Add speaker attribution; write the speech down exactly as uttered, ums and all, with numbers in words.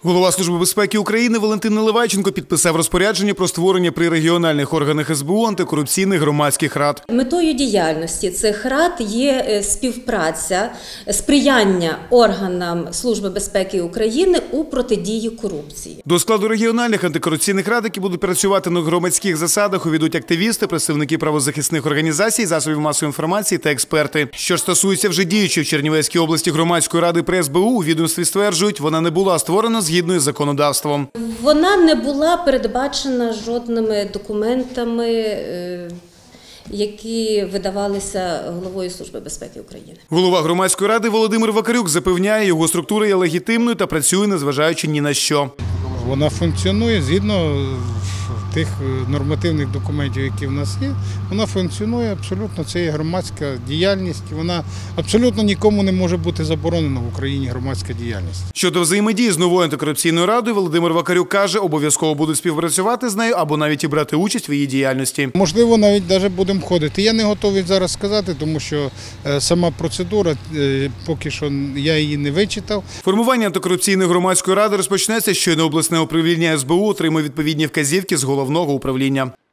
Speaker 1: Голова Служби безпеки України Валентин Наливайченко підписав розпорядження про створення при регіональних органах ес бе у антикорупційних громадських рад.
Speaker 2: Метою діяльності цих рад є співпраця, сприяння органам Служби безпеки України у протидії корупції.
Speaker 1: До складу регіональних антикорупційних рад, які будуть працювати на громадських засадах, увійдуть активісти, представники правозахисних організацій, засобів масової інформації та експерти. Що ж стосується вже діючої в Чернівецькій області громадської ради при ес бе у, у відомстві стверджують, вона не була створена згідно із законодавством.
Speaker 2: Вона не була передбачена жодними документами, які видавалися головою Служби безпеки України.
Speaker 1: Голова громадської ради Володимир Вакарюк запевняє, його структура є легітимною та працює, незважаючи ні на що.
Speaker 3: Вона функціонує згідно тих нормативних документів, які в нас є. Вона функціонує абсолютно, це є громадська діяльність. Вона абсолютно нікому не може бути заборонена в Україні громадська діяльність.
Speaker 1: Щодо взаємодії з новою антикорупційною радою, Володимир Вакарюк каже, обов'язково будуть співпрацювати з нею або навіть і брати участь в її діяльності.
Speaker 3: Можливо, навіть навіть будемо ходити. Я не готовий зараз сказати, тому що сама процедура, поки що я її не вичитав.
Speaker 1: Формування антикорупційної громадської ради розпочнеться, щойно обласне управління ес бе у отримає відповідні вказівки з головного управління.